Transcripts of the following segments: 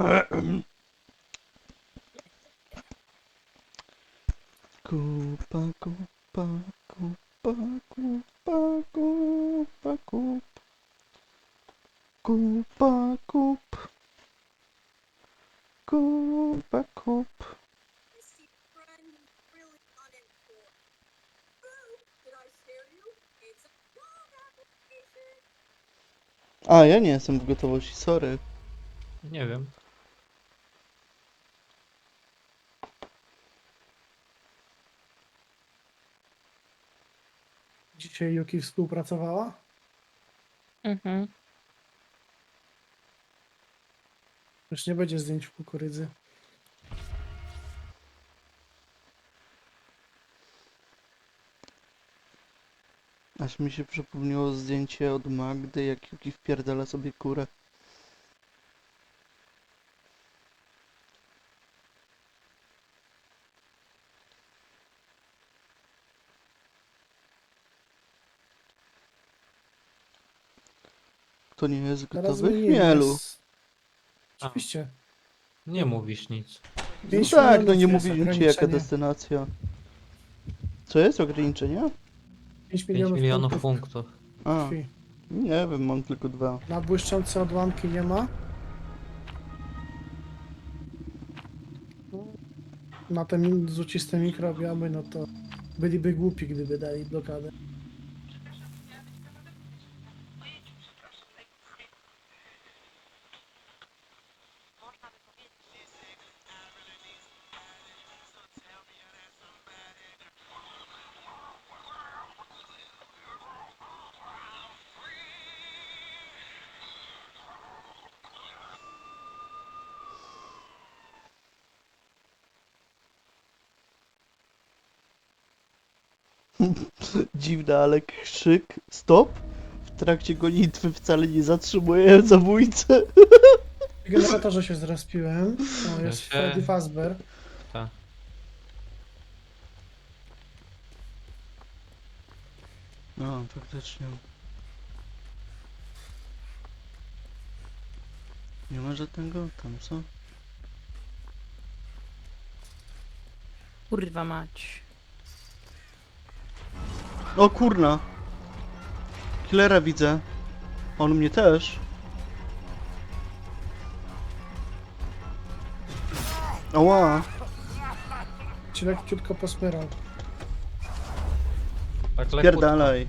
Kupa, kupa, kupa, kupa, kupa, kup. Kupa, kup. Kupa, kup. A, ja nie jestem w gotowości, sorry. Nie wiem. Dzisiaj Yuki współpracowała? Mhm. Już nie będzie zdjęć w kukurydzy. Aż mi się przypomniało zdjęcie od Magdy, jak Yuki wpierdala sobie kurę. To nie jest Teraz gotowy zmienili chmielu. nas. Oczywiście. Nie mówisz nic. No 5 tak, no milionów nie jest mówiłem ci jaka ograniczenie. destynacja. Co jest ograniczenie? 5 5 milionów, milionów punktów punktów. A, krwi. nie wiem, mam tylko 2. Na błyszczące odłamki nie ma. Na te złociste mikrobiomy, no to byliby głupi, gdyby dali blokadę. Dziwne, ale krzyk stop w trakcie gonitwy wcale nie zatrzymuje zabójcę. W generatorze się zrespiłem. O, Ja jest się- Freddy Fazbear. Tak. No, faktycznie. Nie ma żadnego tam, co? Kurwa mać. O kurna! Killera widzę. On mnie też. Ała! Ci lekciutko posmyrał. Tak lekko. Pierdalaj.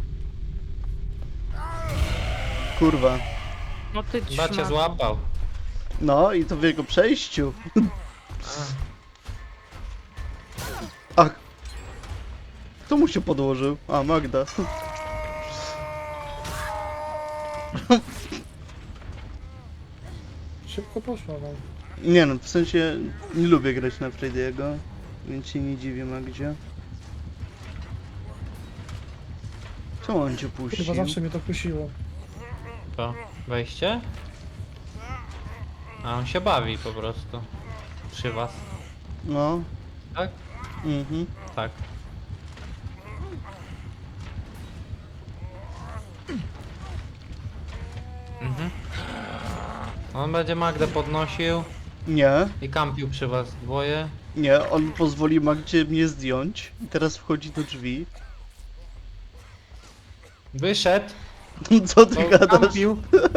Kurwa. No ty Chyba cię trzyma. złapał. No i to w jego przejściu. Ach. Kto mu się podłożył? A, Magda. Szybko poszło wam. Nie no, w sensie nie lubię grać na Freddy'ego, więc się nie dziwię Magdzie. Czemu on cię puścił? Chyba zawsze mnie to kusiło. To wejście? A on się bawi po prostu. Przy was. No, Tak? mhm. Tak. Mhm. On będzie Magdę podnosił Nie, i kampił przy was dwoje. nie, on pozwoli Magdzie mnie zdjąć i teraz wchodzi do drzwi. Wyszedł, Co ty to gadasz? kampił.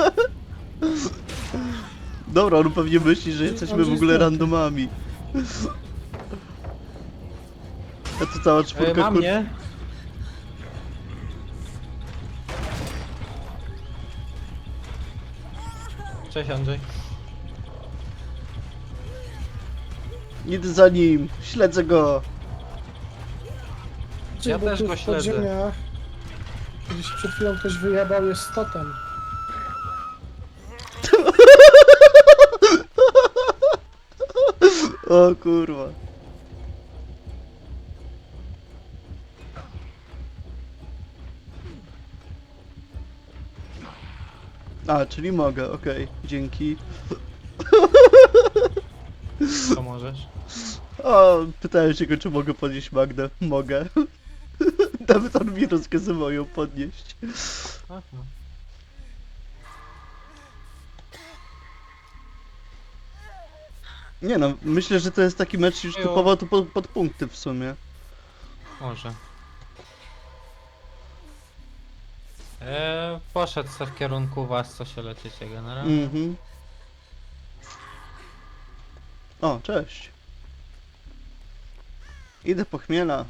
Dobra, on pewnie myśli, że jesteśmy w ogóle randomami. A to cała czwórka Ma mnie. Cześć Andrzej. Idę za nim, śledzę go. Ja Bo też tu go w śledzę. podziemiach, gdzieś przed chwilą ktoś wyjebał, jest totem. O kurwa. A, czyli mogę, okej, dzięki. Co możesz? O, pytałem się go, czy mogę podnieść Magdę. Mogę. Nawet on mi rozkazywał ją podnieść. Aha. Nie no, myślę, że to jest taki mecz już Jo. typowo tu pod punkty w sumie. Może. Poszedł se w kierunku was, co się leczycie generalnie. Mhm. O, cześć. Idę po chmiela.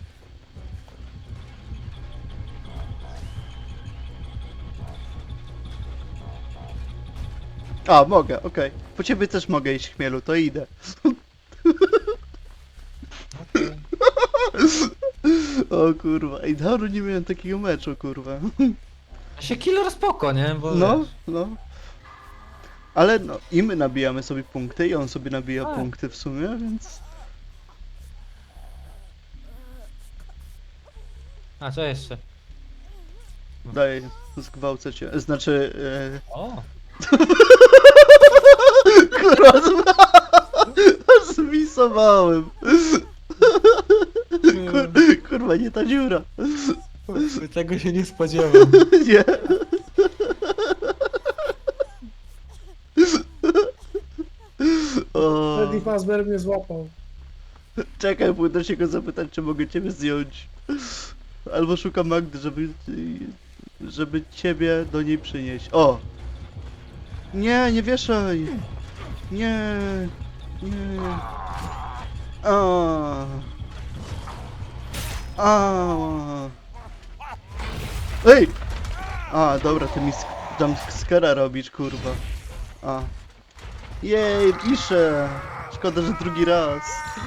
A, mogę, okej. Po ciebie też mogę iść chmielu, to idę. Okej. O kurwa, ej, dawno nie miałem takiego meczu, kurwa. Się killer spoko, nie? Bo No, wiesz, no. Ale no, i my nabijamy sobie punkty, i on sobie nabija Tak. punkty w sumie, więc... A co jeszcze? Daj, zgwałcę cię. Znaczy... O! Kurwa, zmisowałem. Kurwa, nie ta dziura. Tego się nie spodziewam. Nie. O, Freddy Fazbear mnie złapał. czekaj, pójdę się go zapytać, czy mogę ciebie zdjąć. Albo szukam Magdy, żeby ciebie do niej przynieść. O! Nie, nie wieszaj! Nie, nie. A. A. Ej! A, dobra, ty mi jumpscare'a robisz, kurwa. A. Jej, piszę! Szkoda, że drugi raz.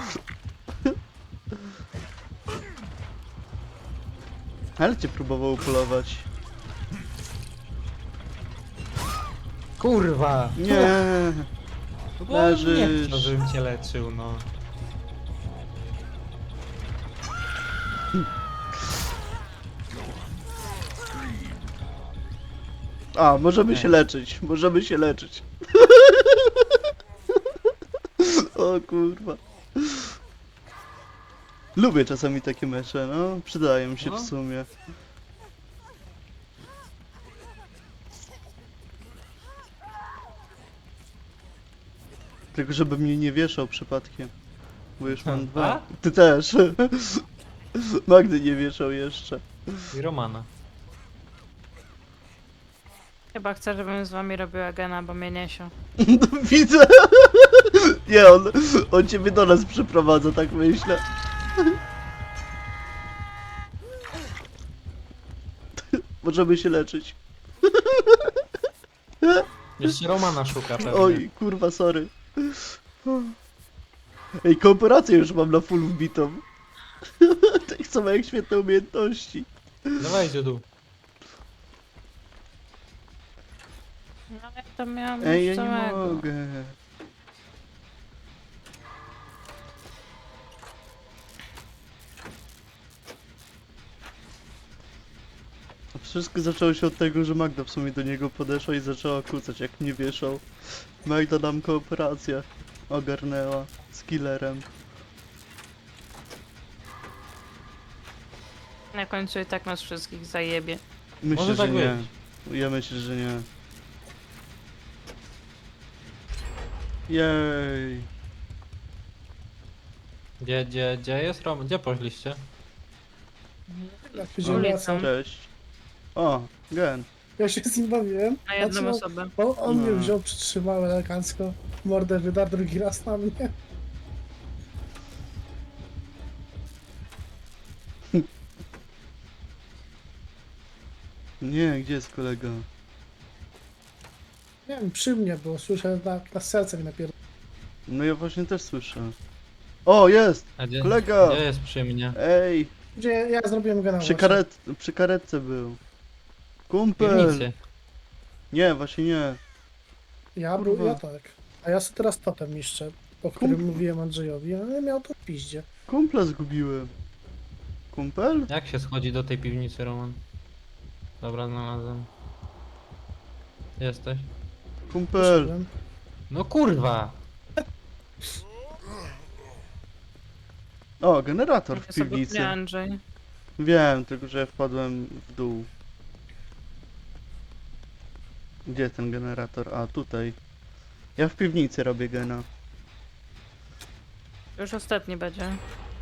Ale cię próbował upolować. Kurwa! Nie. Bo on nie Leżysz. chciał, żebym cię leczył, no. A, możemy Nie. się leczyć, możemy się leczyć. O kurwa. Lubię czasami takie mecze, no. Przydają się No. w sumie. Tylko żeby mnie nie wieszał przypadkiem. Bo już mam A? dwa. Ty też. Magdy nie wieszał jeszcze. I Romana. Chyba chcę, żebym z wami robiła gena, bo mnie niesią. Widzę. Nie, on ciebie do nas przyprowadza, tak myślę. Możemy się leczyć. Jeszcze Romana szuka pewnie. Oj, kurwa, sorry. Ej, kooperację już mam na full wbitą. Tak samo jak świetne umiejętności. Dawaj, dziadu. No ja to miałam Ej, ja już nie samego. mogę. Wszystko zaczęło się od tego, że Magda w sumie do niego podeszła i zaczęła kłócać, jak mnie wieszał. Magda nam kooperację ogarnęła z killerem. Na końcu i tak nas wszystkich zajebie. Myślę, Może że tak nie. być. Ja myślę, że nie. Jej. Gdzie jest Roman? Gdzie poszliście? Jak pójdziemy Ulicą. lasem. Cześć. O, Gen. Ja się z nim bawiłem. Na jedną Patrzę, osobę. bo on mnie No. wziął, przytrzymał elegancko. Mordę wydarł drugi raz na mnie. Nie, gdzie jest kolega? Nie wiem, przy mnie, bo słyszę na serce mi napierdol. No ja właśnie też słyszę. O, jest! A gdzie, Kolega! Gdzie jest przy mnie? Ej! Gdzie ja zrobiłem go na Przy karetce był. Kumpel! Piwnicy. Nie, właśnie nie. Ja Kurwa. był, ja tak. A ja sobie teraz totem niszczę, o którym mówiłem Andrzejowi, ale miał to w piździe. Kumpla zgubiłem. Kumpel? Jak się schodzi do tej piwnicy, Roman? Dobra, znalazłem. Jesteś? Kumpel! Poszedłem. No kurwa! O, generator Ja w sobie piwnicy. kupię Andrzej. Wiem, tylko że ja wpadłem w dół. Gdzie ten generator? A, tutaj. Ja w piwnicy robię gena. Już ostatni będzie.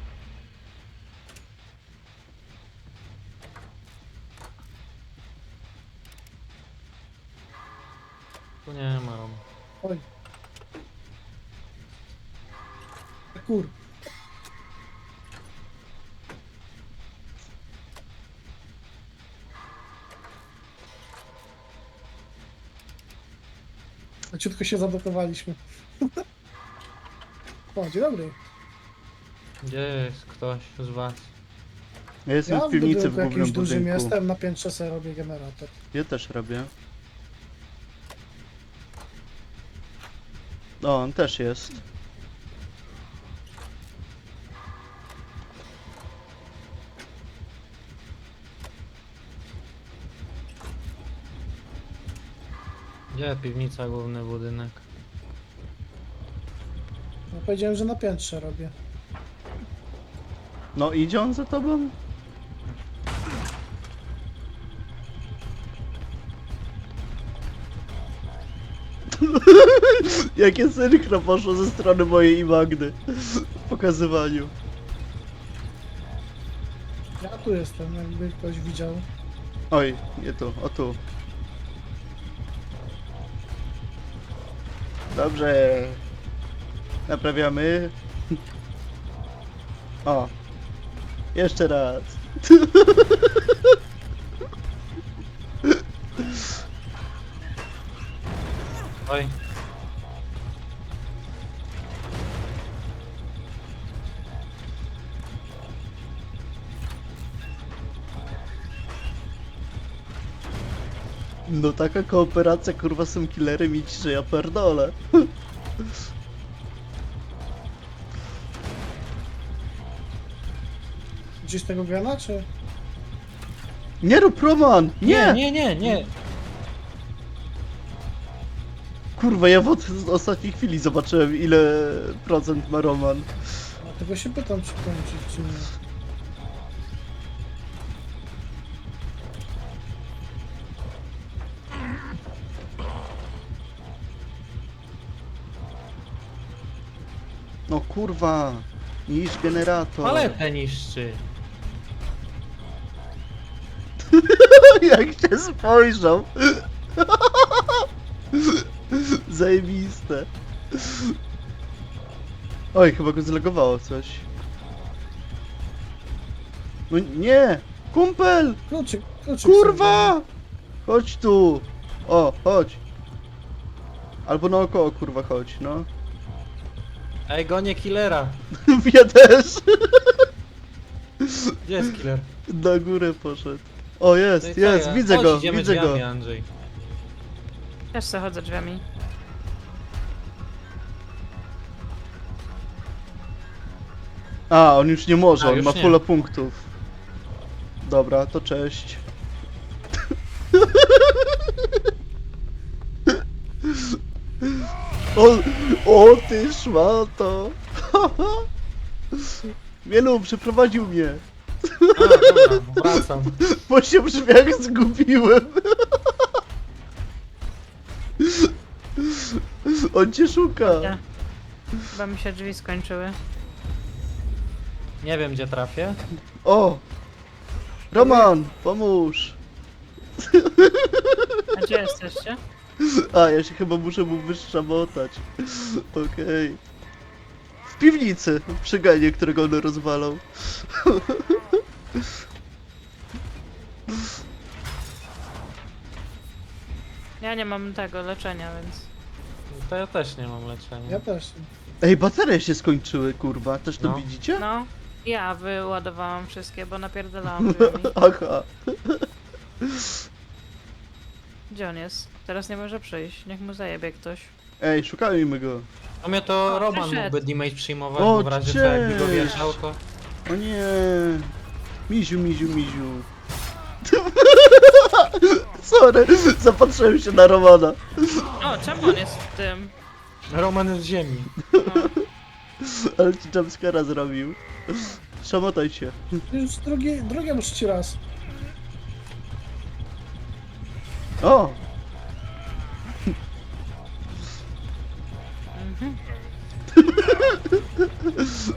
Tu nie ma Roman. Oj. Kur. Ciutko się zablokowaliśmy. O, dzień dobry. Gdzie jest ktoś z was? Ja jestem Ja w piwnicy w budynku głównym jakimś dużym budynku. jestem, na piętrze sobie robię generator. Ja też robię. O, on też jest. Gdzie piwnica, główny budynek? Ja powiedziałem, że na piętrze robię. No idzie on za tobą? Jakie synchro poszło ze strony mojej i Magdy w pokazywaniu. Ja tu jestem, jakby ktoś widział. Oj, nie tu, o tu. Dobrze. Naprawiamy. O. Jeszcze raz. Oj, No taka kooperacja kurwa z tym killerem idź, że ja pierdolę. Gdzieś tego grana, czy? Nie rób Roman! Nie! nie! Kurwa, ja w ostatniej chwili zobaczyłem ile procent ma Roman. Dlatego się pytam, czy kończyć, czy nie. No kurwa, niż generator. Paletę niszczy. Jak się spojrzał. Zajebiste. Oj, chyba go zlegowało coś. No nie! Kumpel! Kluczyk. Kurwa! Chodź tu! O, chodź! Albo naokoło, kurwa, chodź, no. Ej, gonię killera. Ja też! Gdzie jest killer? Na górę poszedł. O, jest, No i co jest, ja? widzę Chodź, go, idziemy widzę go. drzwiami, Andrzej. Też se chodzę drzwiami. A, on już nie może, A, on już ma nie. fulla punktów. Dobra, to cześć. O, o ty szmato. Wielu, przeprowadził mnie. A, dobra, wracam. Bo się w drzwiach zgubiłem. On cię szuka. Nie. Chyba mi się drzwi skończyły. Nie wiem, gdzie trafię. O! Roman, pomóż. A gdzie jesteście? A, ja się chyba muszę mu wyszamotać. Okej. W piwnicy, przy genie, którego on rozwalał. Ja nie mam tego leczenia, więc... To ja też nie mam leczenia. Ja też. Ej, baterie się skończyły, kurwa. Też to No. widzicie? No, ja wyładowałam wszystkie, bo napierdalałam drzwiami. Aha. Gdzie on jest? Teraz nie może przyjść. Niech mu zajebie ktoś. Ej, szukajmy go. No mnie to O, Roman przyszedł. mógłby damage przyjmować, O, bo w razie co jakby go cześć. wjeżdżał, to... O nie. Miziu, miziu, miziu. Sorry, zapatrzyłem się na Romana. O, czemu on jest w tym? Roman jest z ziemi. No. Ale ci jumpscare'a zrobił. Szamotaj się. Już drugie muszę ci raz. O! Mhm.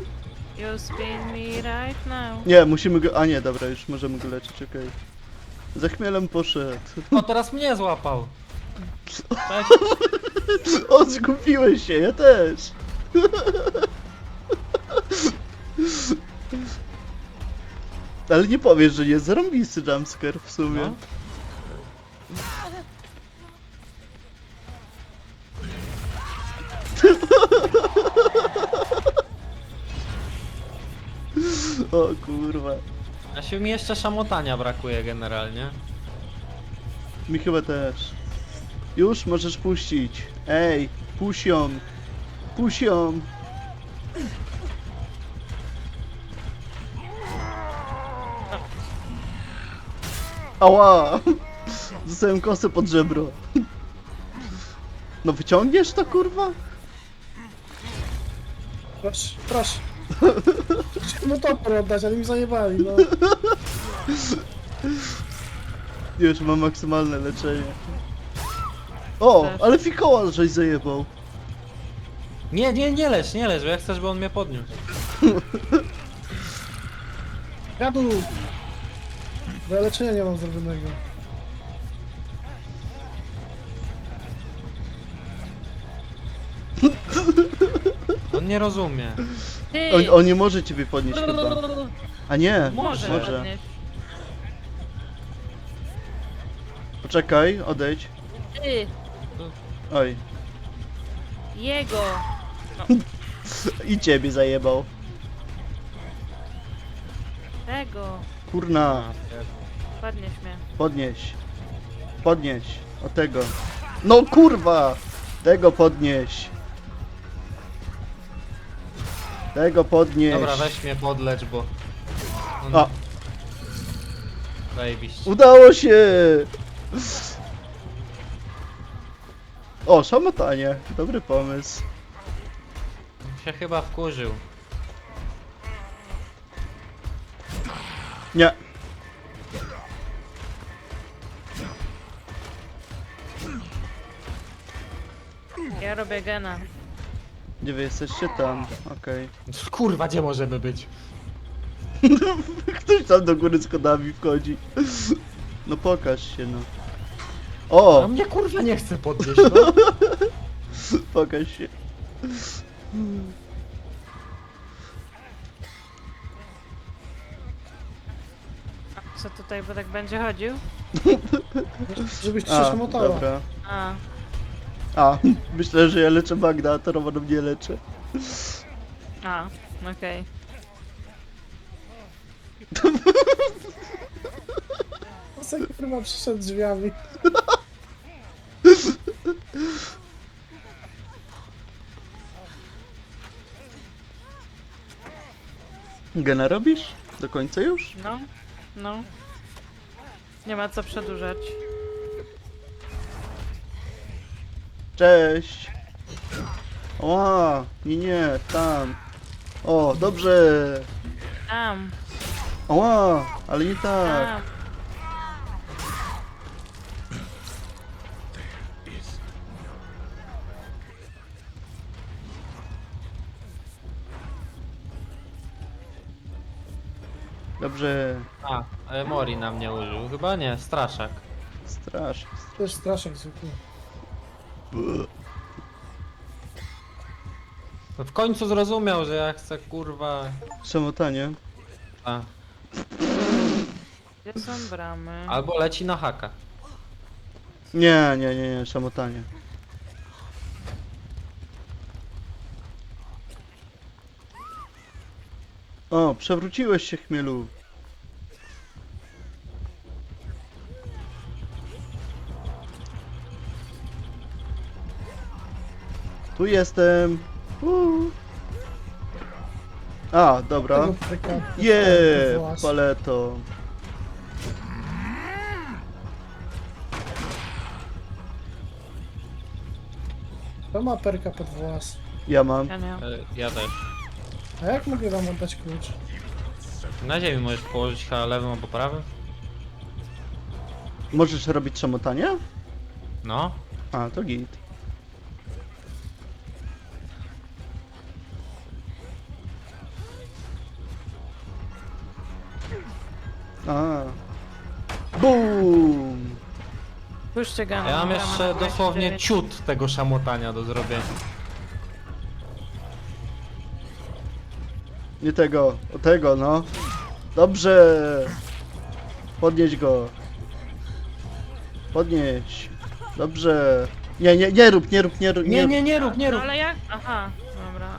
You spin me right now. Nie, musimy go... A nie, dobra, już możemy go leczyć, okej. Za chmielem poszedł. O, teraz mnie złapał. Cześć. O, zgubiłeś się, ja też. Ale nie powiesz, że nie zarąbisty jumpscare w sumie. No. O kurwa. A się mi jeszcze szamotania brakuje generalnie. Mi chyba też. Już możesz puścić. Ej, puść ją. Puść ją. Ała! Dostałem kosę pod żebro. No wyciągniesz to, kurwa? Proszę, proszę. Chciałem mu topór oddać, ale mi zajebali, no. Już mam maksymalne leczenie. O, Też. ale fikoła żeś zajebał. Nie lecz, bo ja chcę, żeby on mnie podniósł. Jadu! Bo ja leczenia nie mam zrobionego. On nie rozumie. Ty! On nie może ciebie podnieść chyba. A nie, Może. może. podnieść. Poczekaj, odejdź. Ty! Oj. Jego! I ciebie zajebał. Tego! Kurna, Podnieś mnie. podnieś. Podnieś. O tego. No kurwa! Tego podnieś. Tego podnieś. Dobra, weź mnie podlecz, bo... A, Zajebiście. udało się! O, szamotanie. Dobry pomysł. Się chyba wkurzył. Nie. Ja robię gena. Gdzie wy jesteście? Tam. Okej. Kurwa, gdzie możemy być? Ktoś tam do góry schodami wchodzi. No pokaż się, no. A O! mnie kurwa nie chce podnieść, no. Pokaż się. Co tutaj, bo tak będzie chodził? Żebyś ci się A, szamotała. dobra. A, A, myślę, że ja leczę Magda, a to Roman mnie leczy. a, okej. Okay. Kurwa przyszedł drzwiami. Gena robisz? Do końca już? No, no. Nie ma co przedłużać. Cześć! Ła, nie, tam. O, dobrze! Tam, Ła, ale nie tak. tam. Dobrze. A, Mori na mnie użył. Chyba nie, straszak. Strasznie. To jest straszek zwykły. No w końcu zrozumiał, że ja chcę kurwa... Szamotanie. A. Gdzie są bramy? Albo leci na haka. Nie, szamotanie. O, przewróciłeś się, chmielu. Tu jestem. A, dobra. Tego pryka. Je, Włas. paleto. To ma perka pod włas. Ja mam. Ja nie. Ja też. A jak mogę wam oddać klucz? Na ziemi możesz położyć chyba lewym albo prawym? Możesz robić szamotanie? No. A, to git. A. Bum! Puśćcie Gana. Ja mam Gana jeszcze na dosłownie 29. ciut tego szamotania do zrobienia. Nie tego, o tego, no. Dobrze! Podnieś go. Podnieś. Dobrze. Nie rób. Nie rób, nie No rób. ale jak? Aha, dobra.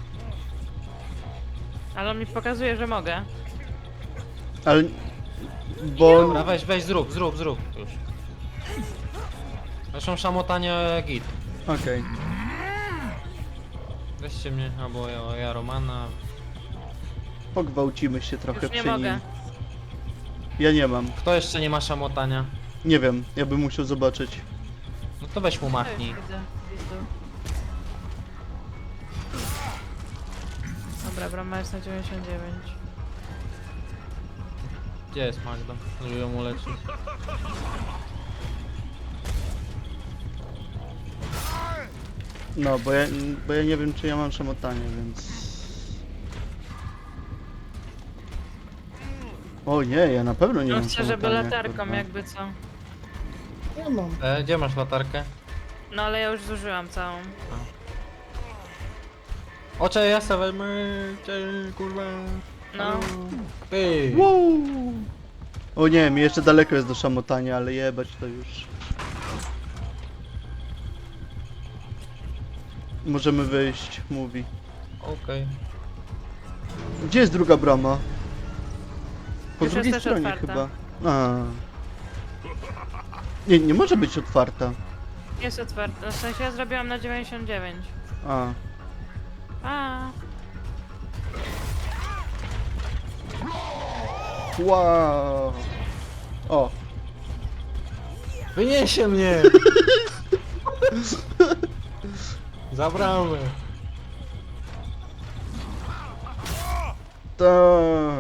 Ale on mi pokazuje, że mogę. Ale... Bo... Dobra, weź, zrób już. Zresztą szamotanie git. Okej. Weźcie mnie, albo ja Romana. Pogwałcimy się trochę Już nie przy mogę. nim. Ja nie mam. Kto jeszcze nie ma szamotania? Nie wiem, ja bym musiał zobaczyć. No to weź mu machnij. Widzę. Dobra, brama jest na 99. Gdzie jest Magda? Żeby ją uleczyć. No, bo ja nie wiem, czy ja mam szamotanie, więc... O nie, ja na pewno nie No mam chcę, żeby szamotania, latarką, kurwa. jakby co. Ja mam. Gdzie masz latarkę? No ale ja już zużyłam całą. Ocze, ja se wezmę cię, kurwa. No. Ty. Wow. O nie, mi jeszcze daleko jest do szamotania, ale jebać to już. Możemy wyjść, mówi. Okej. Gdzie jest druga brama? Po Już drugiej jest też stronie otwarta. chyba. A. Nie może być otwarta. Jest otwarta. W sensie ja zrobiłam na 99. A. A. Wow. O. Wyniesie mnie! Zabramy. Tak.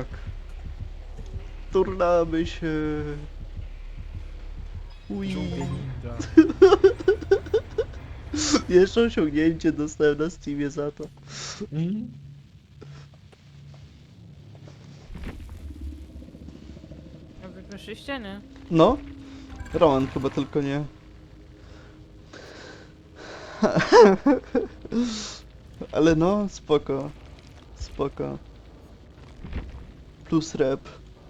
Turnamy się. Ui. Jeszcze osiągnięcie dostałem na Steamie za to. No wy poszliście, nie? No. Roman chyba tylko nie. Ale no, spoko. Spoko. Plus rep.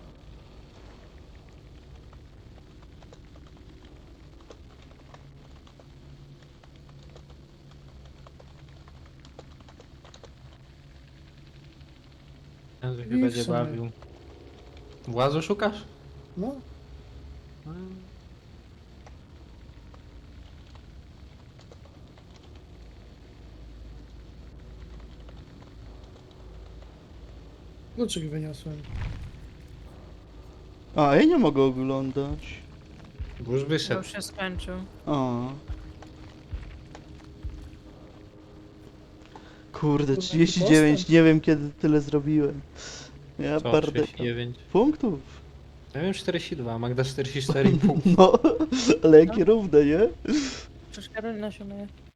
Jezu się I w będzie sumie. bawił. Włazu szukasz? No. Kluczyk wyniosłem. A, ja nie mogę oglądać. Bo już Bo wyszedł. już się skończył. O. Kurde, Kurwa, 39, postęp. nie wiem kiedy tyle zrobiłem. Ja Co, bardzo. 39? Punktów. Ja wiem 42, a Magda 44,5. No, ale jakie równe, nie? Przecież Karolina się myje.